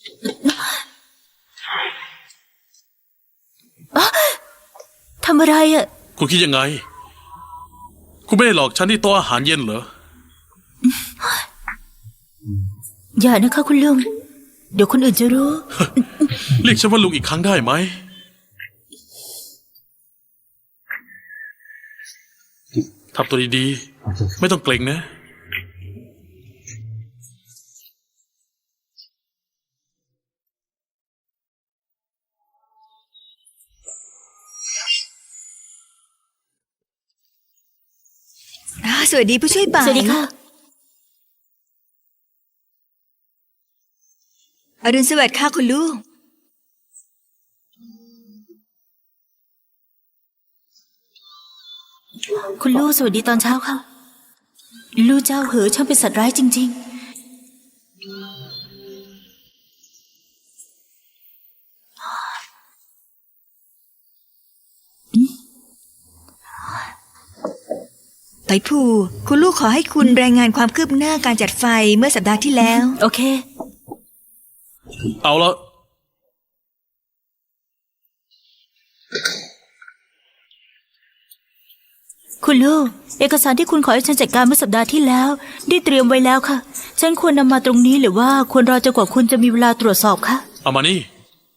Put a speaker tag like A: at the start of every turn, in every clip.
A: ทำอะไรอ่ะ
B: คุณคิดยังไงคุณไม่ได้หลอกฉันที่โต๊ะอาหารเย็นเหรอ
A: อย่านะคะคุณลุงเดี๋ยวคนอื่นจะรู้
B: เรียกฉันว่าลุงอีกครั้งได้ไหมทำตัวดีๆไม่ต้องเกรงนะ
C: สวัสดีผู้ช่วยป่า
A: สวัสดีค่ะ
C: อรุณสวัสดิ์ค่ะคุณลูก
A: คุณลูกสวัสดีตอนเช้าค่ะลูกเจ้าเหอช่างเป็นสัตว์ร้ายจริง
C: ไต่ผู้คุณลูกขอให้คุณรายงานความคืบหน้าการจัดไฟเมื่อสัปดาห์ที่แล้ว
A: โอเค
B: เอาละ
A: คุณลูกเอกสารที่คุณขอให้ฉันจัดการเมื่อสัปดาห์ที่แล้วได้เตรียมไว้แล้วค่ะฉันควรนำมาตรงนี้หรือว่าควรรอจนกว่าคุณจะมีเวลาตรวจสอบคะ
B: เอามานี่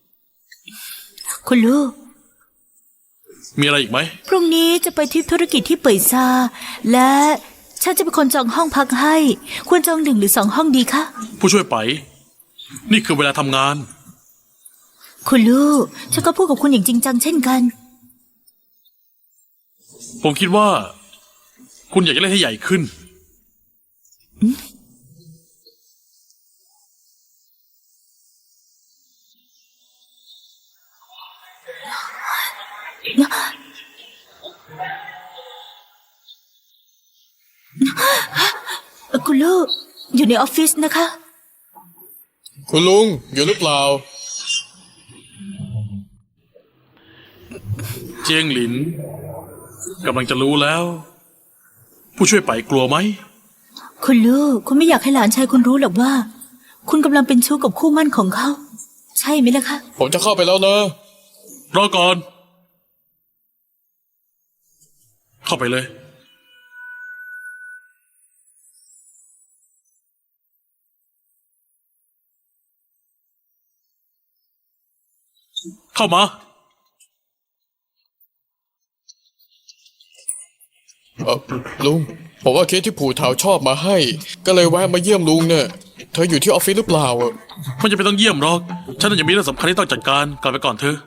A: คุณลูก
B: มีอะไรอีกไหม
A: พรุ่งนี้จะไปทริปธุรกิจที่เป่ยซาและฉันจะเป็นคนจองห้องพักให้ควรจอง1 หรือ 2ห้องดีคะ
B: ผู้ช่วยไปนี่คือเวลาทำงาน
A: คุณลูกฉันก็พูดกับคุณอย่างจริงจังเช่นกัน
B: ผมคิดว่าคุณอยากจะเล่นให้ใหญ่ขึ้น
A: คุณลูกอยู่ในออฟฟิศนะคะ
D: คุณลุงอยู่หรือเปล่า
B: เจียงหลินกำลังจะรู้แล้วผู้ช่วยไปกลัวไหม
A: คุณลูกคุณไม่อยากให้หลานชายคุณรู้หรอกว่าคุณกำลังเป็นชู้กับคู่มั่นของเขาใช่ไหมล่ะคะ
D: ผมจะเข้าไปแล้วนะ
B: รอก่อนเข้าไปเลยเข้ามา
D: ลุงผมว่าเค้กที่ผู่เถาชอบมาให้ก็เลยแวะมาเยี่ยมลุงเนี่ยเธออยู่ที่ออฟฟิศหรือเปล่า
B: ไม่จำเป็นต้องเยี่ยมหรอกฉันยังมีเรื่องสำคัญที่ต้องจัดการกลับไปก่อนเถอะ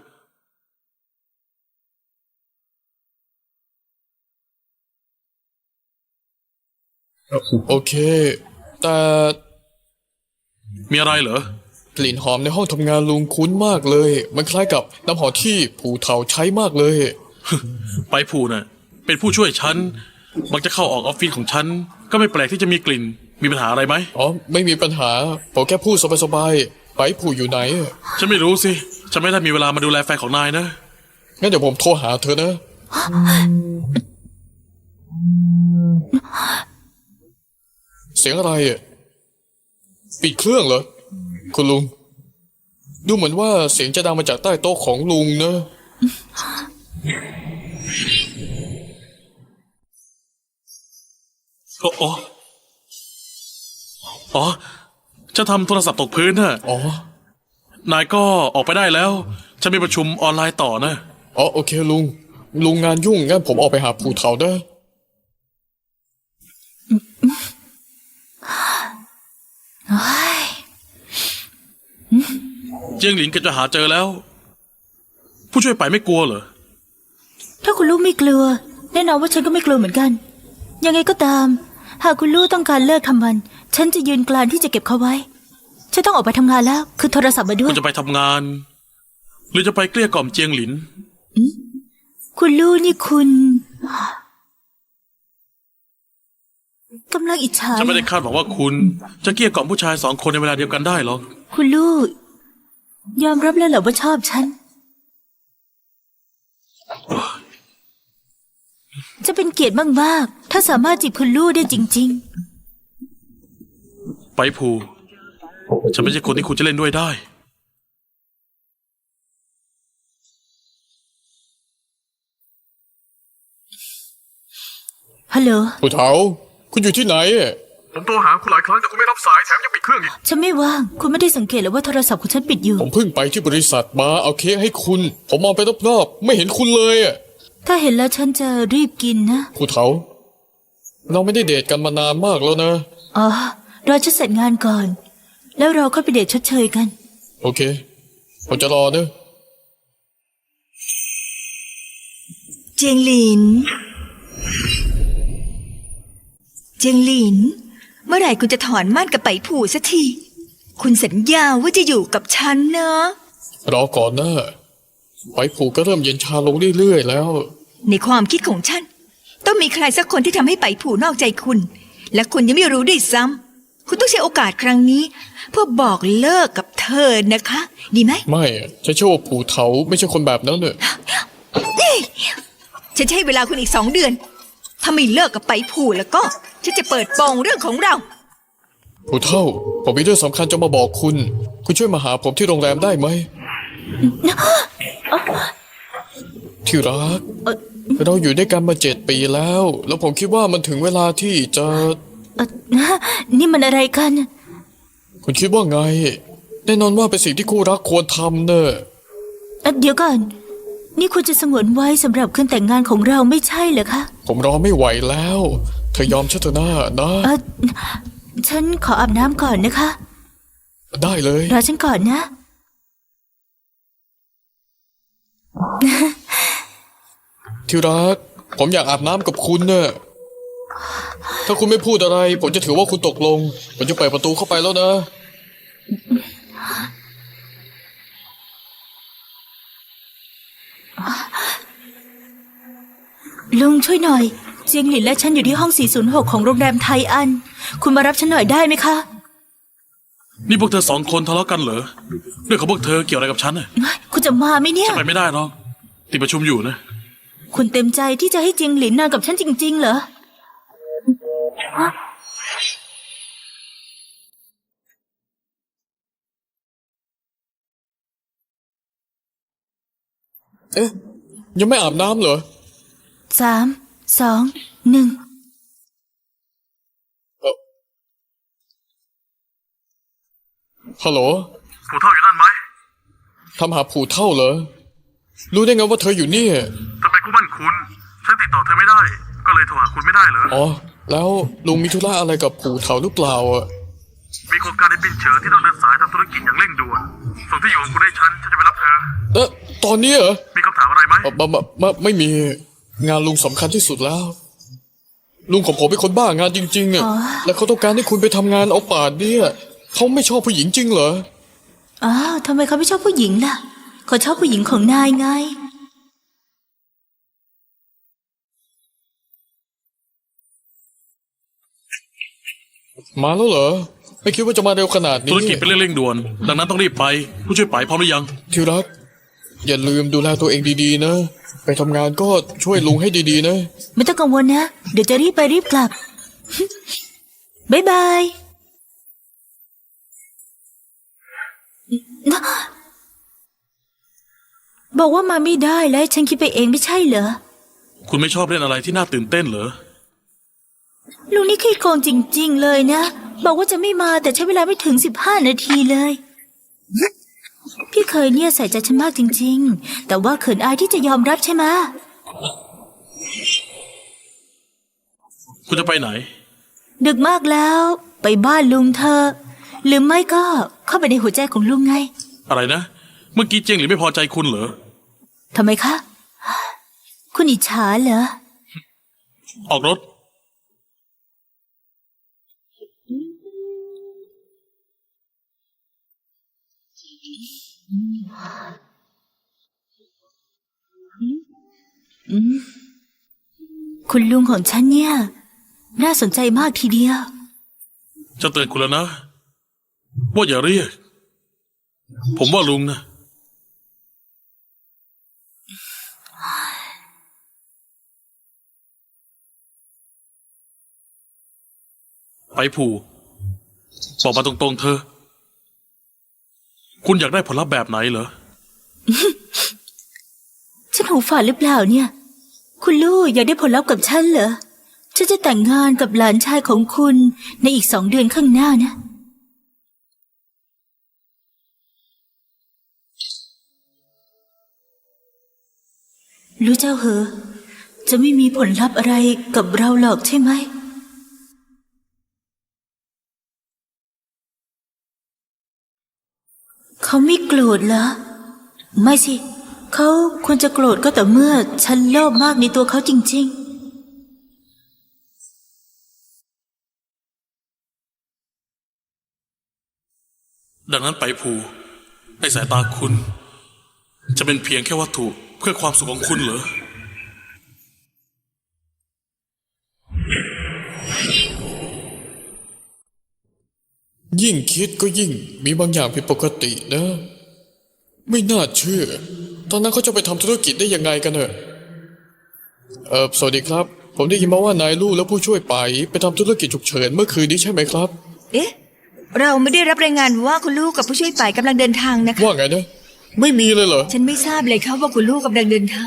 D: โอเคแต่
B: มีอะไรเหรอก
D: ลิ่นหอมในห้องทำงานลุงคุ้นมากเลยมันคล้ายกับน้ำหอมที่ผู่เถาใช้มากเลย
B: ไปผู่น่ะเป็นผู้ช่วยฉันมักจะเข้าออกออฟฟิศของฉันก็ไม่แปลกที่จะมีกลิ่นมีปัญหาอะไรไหม
D: อ๋อไม่มีปัญหาผมแค่พูดสบายๆไปผู่อยู่ไหน
B: ฉันไม่รู้สิฉันไม่ได้มีเวลามาดูแลแฟนของนายนะ
D: งั้นเดี๋ยวผมโทรหาเธอนะเสียงอะไรปิดเครื่องเหรอคุณลุงดูเหมือนว่าเสียงจะดังมาจากใต้โต๊ะของลุงนะ
B: อ๋อฉันทำโทรศัพท์ตกพื้นน่ะ
D: อ๋
B: อนายก็ออกไปได้แล้วฉันมีประชุมออนไลน์ต่อนะ
D: อ๋อโอเคลุงงานยุ่งงั้นผมออกไปหาผู่เถาได้
B: เจียงหลินก็จะหาเจอแล้วผู้ช่วยไปไม่กลัวเหรอ
A: ถ้าคุณลูกไม่กลัวแน่นอนว่าฉันก็ไม่กลัวเหมือนกันยังไงก็ตามหากคุณลูกต้องการเลิกทำมันฉันจะยืนกรานที่จะเก็บเขาไว้ฉันต้องออกไปทำงานแล้วคือโทรศัพท์มาด้วย
B: คุณจะไปทำงานหรือจะไปเกลี้ยกล่อมเจียงหลิน
A: คุณลูกนี่คุณกำลังอิจฉา
B: ฉันไม่ได้คาดหวังว่าคุณจะเกลี้ยกล่อมผู้ชาย2 คนในเวลาเดียวกันได้หรอก
A: คุณลูกยอมรับแล้วเหรอว่าชอบฉันจะเป็นเกียรติมากๆถ้าสามารถจีบคุณลูกได้จริง
B: ๆไปผู่ฉันไม่ใช่คนที่คุณจะเล่นด้วยได้
A: ฮัลโหล
D: ผู้เฒ่า คุณอยู่ที่ไหนอะ
E: ผมโทรหาคุณหลายครั้งแต่คุณไม่รับสายแถมยังปิดเครื่องอีก
A: ฉันไม่ว่าง คุณไม่ได้สังเกตเหรือว่าโทรศัพท์ของฉันปิดอยู่
D: ผมเพิ่งไปที่บริษัทมาเอาเค้กให้คุณ ผมมองไปรอบๆไม่เห็นคุณเลยอะ
A: ถ้าเห็นแล้วฉันจะรีบกินนะ
D: ผู้เฒ่า เราไม่ได้เดทกันมานานมากแล้วนะ
A: อ๋อ รอฉันเสร็จงานก่อน แล้วเราค่อยไปเดทชดเชยกัน
D: โอเค ผมจะรอเนอะ
C: เจียงหลิน เจียงหลิน เมื่อไหร่คุณจะถอนม่านกับไปผู่สักที คุณสัญญาว่าจะอยู่กับฉันนะ
D: รอก่อนนะไปผูกก็เริ่มเย็นชาลงเรื่อยๆแล้ว
C: ในความคิดของฉัน ต้องมีใครสักคนที่ทำให้ไปผู่นอกใจคุณ และคุณยังไม่รู้ด้วยซ้ำคุณต้องใช้โอกาสครั้งนี้ เพื่อบอกเลิกกับเธอนะคะ ดีไหม
D: ไม่อะฉันเชื่อว่าผูเถาไม่ใช่คนแบบนั้นเนอะ
C: ฉันจะให้เวลาคุณอีก2 เดือน ถ้าไม่เลิกกับไปผู่แล้วก็ ฉันจะเปิดโปงเรื่องของเรา
D: ผู้เฒ่า ผมมีเรื่องสำคัญจะมาบอกคุณ คุณช่วยมาหาผมที่โรงแรมได้ไหม ที่รัก เราอยู่ด้วยกันมา7 ปีแล้ว แล้วผมคิดว่ามันถึงเวลาที่จะ
A: นี่มันอะไรกัน
D: คุณคิดว่าไง แน่นอนว่าเป็นสิ่งที่คู่รักควรทำเนอะ
A: เดี๋ยวก่อน นี่คุณจะสงวนไว้สำหรับคืนแต่งงานของเราไม่ใช่เหรอคะ
D: ผมรอไม่ไหวแล้ว เธอยอมฉันเถอะนะนะ
A: ฉันขออาบน้ำก่อนนะคะ
D: ได้เลย
A: รอฉันก่อนนะ
D: ที่รัก ผมอยากอาบน้ำกับคุณเนอะถ้าคุณไม่พูดอะไร ผมจะถือว่าคุณตกลง ผมจะเปิดประตูเข้าไปแล้วนะ
A: ลุงช่วยหน่อย เจียงหลินและฉันอยู่ที่ห้อง 406 ของโรงแรมไทอัน คุณมารับฉันหน่อยได้ไหมคะ
B: นี่พวกเธอ2 คนทะเลาะกันเหรอเรื่องของพวกเธอเกี่ยวอะไรกับฉันน่ะ
A: คุณจะมาไหมเนี่ย
B: ไปไม่ได้หรอกติดประชุมอยู่นะ
A: คุณเต็มใจที่จะให้เจียงหลินนอนกับฉันจริงๆเหรอ
D: เอ๊ะ ยังไม่อาบน้ำเหรอ
A: 3 2 1
D: ฮัลโหล
E: ผู้เท่าอยู่นั่นไหม
D: ทำหาผูเท่าเหรอ รู้ได้ไงว่าเธออยู่นี่
E: ทำไมกูมั่นคุณ ฉันติดต่อเธอไม่ได้ ก็เลยโทรหาคุณไม่ได้เหรอ
D: อ๋อ แล้วลุงมีธุระอะไรกับผูเท่าหรือเปล่าอ่ะ
E: มีโครงการในปินเฉิงที่ต้องเดินสายทำธุรกิจอย่างเร่งด่วน ส่งที่อยู่ของคุณให้ฉันจะไปรับเธอ
D: ตอนนี้เหรอ
E: มีคำถามอะไรไหม
D: ไม่มี งานลุงสำคัญที่สุดแล้ว ลุงของผมเป็นคนบ้างานจริงๆอ่ะ และเขาต้องการให้คุณไปทำงานเอาป่านเนี่ยเขาไม่ชอบผู้หญิงจริงเหรอ
A: อ้าวทำไมเขาไม่ชอบผู้หญิงล่ะ เขาชอบผู้หญิงของนายไง
D: มาแล้วเหรอ ไม่คิดว่าจะมาเร็วขนาดนี้
B: ธุรกิจเป็นเรื่องเร่งด่วน ดังนั้นต้องรีบไป ผู้ช่วยไปพร้อมหรือยัง
D: ที่รัก อย่าลืมดูแลตัวเองดีๆนะ ไปทำงานก็ช่วยลุงให้ดีๆนะ
A: ไม่ต้องกังวลนะ เดี๋ยวจะรีบไปรีบกลับ บ๊ายบาย บอกว่ามาไม่ได้แล้วฉันคิดไปเองไม่ใช่เหรอ
B: คุณไม่ชอบเล่นอะไรที่น่าตื่นเต้นเหรอ
A: ลุงนี่ขี้โกงจริงๆเลยนะ บอกว่าจะไม่มาแต่ใช้เวลาไม่ถึง15 นาทีเลย พี่เคยเนี่ยใส่ใจฉันมากจริงๆ แต่ว่าเขินอายที่จะยอมรับใช่ไหม
B: คุณจะไปไหน
A: ดึกมากแล้ว ไปบ้านลุงเธอ หรือไม่ก็เข้าไปในหัวใจของลุงไง
B: อะไรนะ เมื่อกี้เจียงหรือไม่พอใจคุณเหรอ
A: ทำไมคะ คุณอิจฉาเหรอ
B: ออกรถ
A: คุณลุงของฉันเนี่ย น่าสนใจมากทีเดียว
B: จะเตือนคุณแล้วนะ ว่าอย่าเรียก ผมว่าลุงนะ ไปผูบอกมาตรงๆเธอ คุณอยากได้ผลลัพธ์แบบไหนเหรอ
A: ฉันหูฝาดหรือเปล่าเนี่ย คุณลูกอยากได้ผลลัพธ์กับฉันเหรอฉันจะแต่งงานกับหลานชายของคุณในอีก2 เดือนข้างหน้านะ รู้เจ้าเหอะจะไม่มีผลลัพธ์อะไรกับเราหรอกใช่ไหม เขาไม่โกรธเหรอ ไม่สิ เขาควรจะโกรธก็แต่อเมื่อฉันโลภมากในตัวเขาจริงๆ
B: ดังนั้นไปภูในสายตาคุณ จะเป็นเพียงแค่วัตถุเพื่อความสุขของคุณเหรอ
D: ยิ่งคิดก็ยิ่งมีบางอย่างผิดปกตินะ ไม่น่าเชื่อ ตอนนั้นเขาจะไปทำธุรกิจได้ยังไงกันเนอะสวัสดีครับ ผมได้ยินมาว่านายลู่และผู้ช่วยไปทำธุรกิจฉุกเฉินเมื่อคืนนี้ใช่ไหมครับ
C: เอ๊ะ เราไม่ได้รับรายงานว่าคุณลูกกับผู้ช่วยไปกำลังเดินทางนะคะ
D: ว่าไงนะ ไม่มีเลยเหรอ
C: ฉันไม่ทราบเลยครับว่าคุณลูกกำลังเดินทาง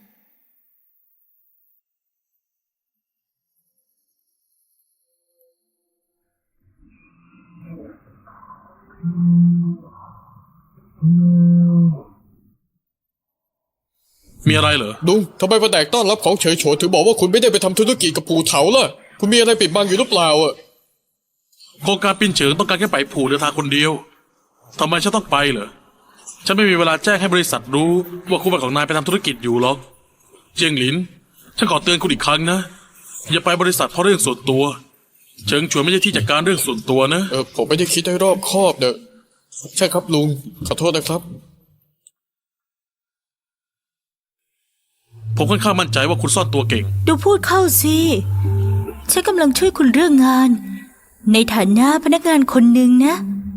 B: มีอะไรเหรอ
D: ลุงทำไมแผนกต้อนรับของเฉยโฉถึงบอกว่าคุณไม่ได้ไปทำธุรกิจกับปู่เถาล่ะ คุณมีอะไรปิดบังอยู่หรือเปล่าอ่ะ
B: โครงการปินเฉิงต้องการแค่ไปผูเดินทางคนเดียวทำไมฉันต้องไปเหรอ ฉันไม่มีเวลาแจ้งให้บริษัทรู้ว่าคู่บ่าวของนายไปทำธุรกิจอยู่หรอก เจียงหลิน ฉันขอเตือนคุณอีกครั้งนะ อย่าไปบริษัทเพราะเรื่องส่วนตัว เฉิงชวนไม่ใช่ที่จัดการเรื่องส่วนตัวนะ
D: ผมไม่ได้คิดให้รอบคอบเนอะใช่ครับลุง ขอโทษนะครับ
B: ผมค่อนข้างมั่นใจว่าคุณซ่อนตัวเก่ง
A: ดูพูดเข้าสิ ฉันกำลังช่วยคุณเรื่องงาน ในฐานะพนักงานคนหนึ่งนะ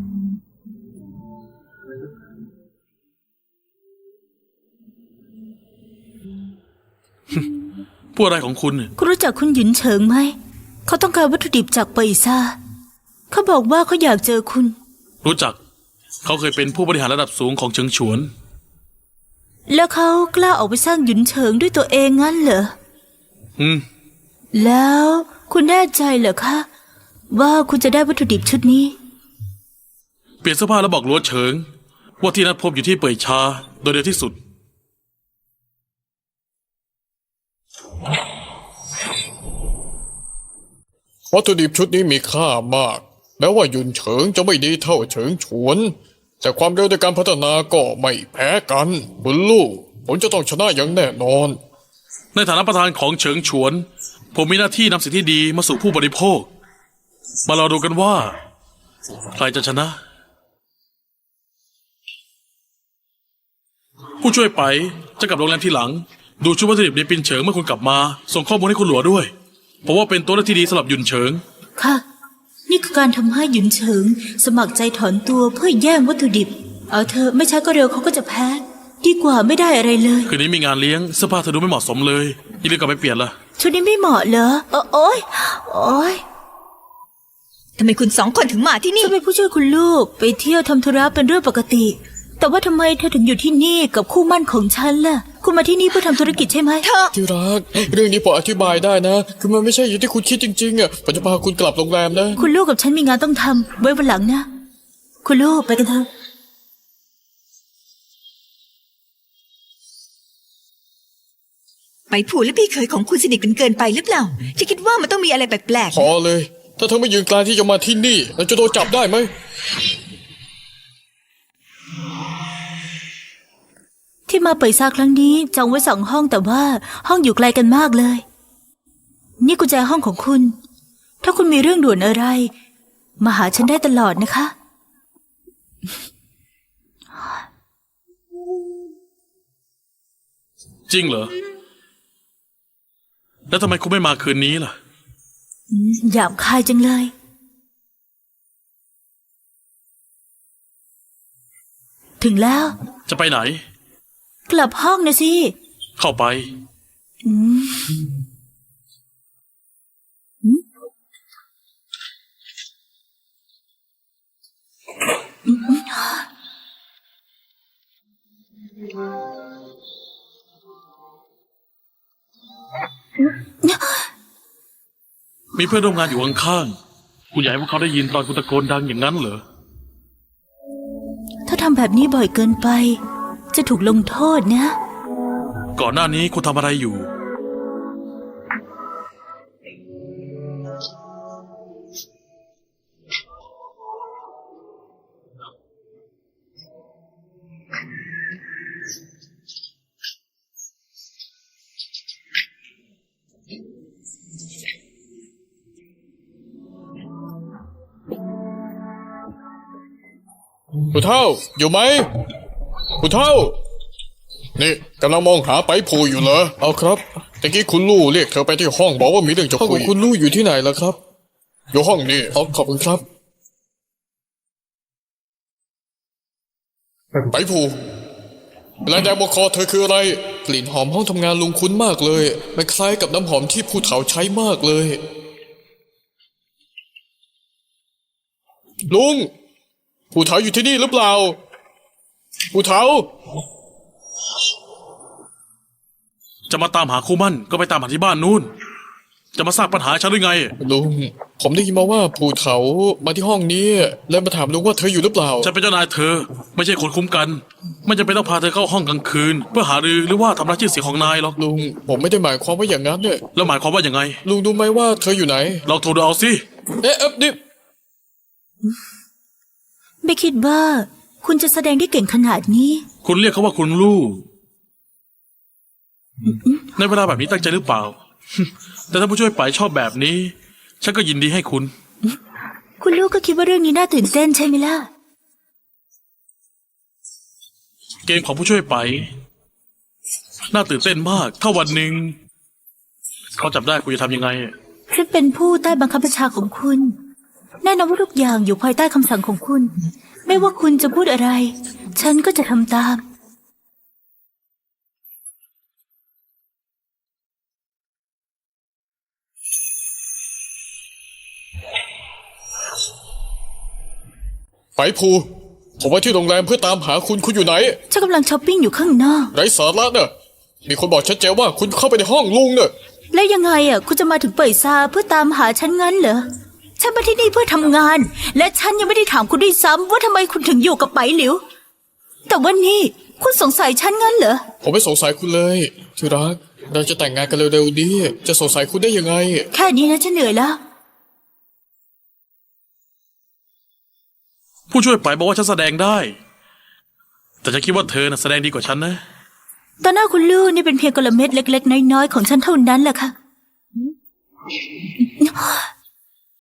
B: พูดอะไรของคุณเนี่ย
A: คุณรู้จักคุณหยุนเฉิงไหม เขาต้องการวัตถุดิบจากเปยซาเขาบอกว่าเขาอยากเจอคุณ
B: รู้จัก เขาเคยเป็นผู้บริหารระดับสูงของเฉิงฉวน
A: แล้วเขากล้าออกไปสร้างหยุนเฉิงด้วยตัวเองงั้นเหรอ
B: อืม
A: แล้วคุณแน่ใจเหรอคะ ว่าคุณจะได้วัตถุดิบชุดนี้
B: เปลี่ยนเสื้อผ้าแล้วบอกลัวเฉิง ว่าที่นัดพบอยู่ที่เป่ยชาโดยเร็วที่สุด
D: วัตถุดิบชุดนี้มีค่ามาก แม้ว่ายุนเฉิงจะไม่ดีเท่าเฉิงฉวน แต่ความเร็วในการพัฒนาก็ไม่แพ้กันคุณลูกผมจะต้องชนะอย่างแน่นอน
B: ในฐานะประธานของเฉิงฉวน ผมมีหน้าที่นำสิ่งที่ดีมาสู่ผู้บริโภค มารอดูกันว่า ใครจะชนะ ผู้ช่วยไปจะกลับโรงแรมทีหลัง ดูชุดวัตถุดิบในปินเฉิงเมื่อคุณกลับมา ส่งข้อมูลให้คุณหลัวด้วยเพราะว่าเป็นตัวเลือกที่ดีสำหรับหยุนเฉิง
A: ค่ะ นี่คือการทำให้หยุนเฉิง สมัครใจถอนตัวเพื่อแย่งวัตถุดิบ เอาเธอะไม่ช้าก็เร็วเขาก็จะแพ้ ดีกว่าไม่ได้อะไรเลย
B: คืนนี้มีงานเลี้ยงเสื้อผ้าเธอดูไม่เหมาะสมเลยอย่าลืมกลับไปเปลี่ยนล่ะ
A: ชุดนี้ไม่เหมาะเหรอโอ๊ยโอ๊ย
C: ทำไมคุณ2 คนถึงมาที่นี่
A: ฉันเป็นผู้ช่วยคุณลูกไปเที่ยวทำธุระเป็นเรื่องปกติ แต่ว่าทำไมเธอถึงอยู่ที่นี่กับคู่หมั่นของฉันล่ะ คุณมาที่นี่เพื่อทำธุรกิจใช่ไหม
D: ที่รัก เรื่องนี้ผมอธิบายได้นะ คือมันไม่ใช่อย่างที่คุณคิดจริงๆอ่ะผมจะพาคุณกลับโรงแรมนะ
A: คุณลูกกับฉันมีงานต้องทำไว้วันหลังนะ คุณลูกไปกันเถอะ
C: ไปผูและพี่เคยของคุณสนิทกันเกินไปหรือเปล่าฉันคิดว่ามันต้องมีอะไรแปลก
D: พอเลย ถ้าเธอไม่ยืนกลางที่จะมาที่นี่เราจะโดนจับได้ไหม
A: ที่มาเปิดซาครั้งนี้จองไว้2 ห้องแต่ว่าห้องอยู่ไกลกันมากเลย นี่กุญแจห้องของคุณ ถ้าคุณมีเรื่องด่วนอะไร มาหาฉันได้ตลอดนะคะ
B: จริงเหรอ แล้วทำไมคุณไม่มาคืนนี้ล่ะ
A: หยาบคายจังเลย ถึงแล้ว
B: จะไปไหน
A: กลับห้องนะสิ
B: เข้าไป
A: เนี่ย
B: มีเพื่อนร่วมงานอยู่ข้างๆคุณอยากให้พวกเขาได้ยินตอนคุณตะโกนดังอย่างนั้นเหรอ
A: ถ้าทำแบบนี้บ่อยเกินไป จะถูกลงโทษนะ
B: ก่อนหน้านี้คุณทำอะไรอยู่
D: ผู้เฒ่า อยู่ไหมผู้เฒ่า นี่กำลังมองหาไปผูอยู่เหรอ เอาครับตะกี้คุณลู่เรียกเธอไปที่ห้องบอกว่ามีเรื่องจะคุยคุณลู่อยู่ที่ไหนล่ะครับ อยู่ห้องนี้ขอบคุณครับ ไปผูลายแดงบนคอเธอคืออะไร กลิ่นหอมห้องทำงานลุงคุ้นมากเลยมันคล้ายกับน้ำหอมที่ผู้เฒ่าใช้มากเลย ลุง ผู้เฒ่าอยู่ที่นี่หรือเปล่า ผู้เฒ่า
B: จะมาตามหาคู่มั่นก็ไปตามหาที่บ้านนู่น จะมาสร้างปัญหาให้ฉันหรือไง
D: ลุง ผมได้ยินมาว่าผู้เฒ่ามาที่ห้องนี้ แล้วมาถามลุงว่าเธออยู่หรือเปล่า
B: ฉันเป็นเจ้านายเธอ ไม่ใช่คนคุ้มกัน ไม่จำเป็นต้องพาเธอเข้าห้องกลางคืน เพื่อหารือหรือว่าทำลายชื่อเสียงของนายหรอก
D: ลุง ผมไม่ได้หมายความว่าอย่างนั้นเนี่ย
B: แล้วหมายความว่าอย่างไง
D: ลุงรู้ไหมว่าเธออยู่ไหน
B: ลองโทรดูเอาสิ
D: นี่
A: ไม่คิดว่าคุณจะแสดงได้เก่งขนาดนี้
B: คุณเรียกเขาว่าคุณลู่ในเวลาแบบนี้ตั้งใจหรือเปล่า แต่ถ้าผู้ช่วยไปชอบแบบนี้ ฉันก็ยินดีให้คุณ
A: คุณลูกก็คิดว่าเรื่องนี้น่าตื่นเต้นใช่ไหมล่ะ
B: เกมของผู้ช่วยไป น่าตื่นเต้นมาก ถ้าวันหนึ่งเขาจับได้คุณจะทำยังไง
A: ฉันเป็นผู้ใต้บังคับบัญชาของคุณ แน่นอนว่าทุกอย่างอยู่ภายใต้คำสั่งของคุณ ไม่ว่าคุณจะพูดอะไร ฉันก็จะทำตาม
D: ไปผูผมมาที่โรงแรมเพื่อตามหาคุณอยู่ไหน
A: ฉันกำลังช้อปปิ้งอยู่ข้างนอก
D: ไร้สาระเนอะมีคนบอกชัดเจนว่าคุณเข้าไปในห้องลุงเนอะ
A: แล้วยังไงอ่ะ คุณจะมาถึงเป่ยซาเพื่อตามหาฉันงั้นเหรอ ฉันมาที่นี่เพื่อทำงาน และฉันยังไม่ได้ถามคุณด้วยซ้ำว่าทำไมคุณถึงอยู่กับไปหลิว แต่วันนี้คุณสงสัยฉันงั้นเหรอ
D: ผมไม่สงสัยคุณเลยที่รัก เราจะแต่งงานกันเร็วๆนี้ จะสงสัยคุณได้ยังไง
A: แค่นี้นะฉันเหนื่อยแล้ว
B: ผู้ช่วยไปบอกว่าฉันแสดงได้ แต่ฉันคิดว่าเธอน่ะแสดงดีกว่าฉันนะ
A: ตอนหน้าคุณลูกนี่เป็นเพียงกลเม็ดเล็กๆน้อยๆของฉันเท่านั้นแหละค่ะ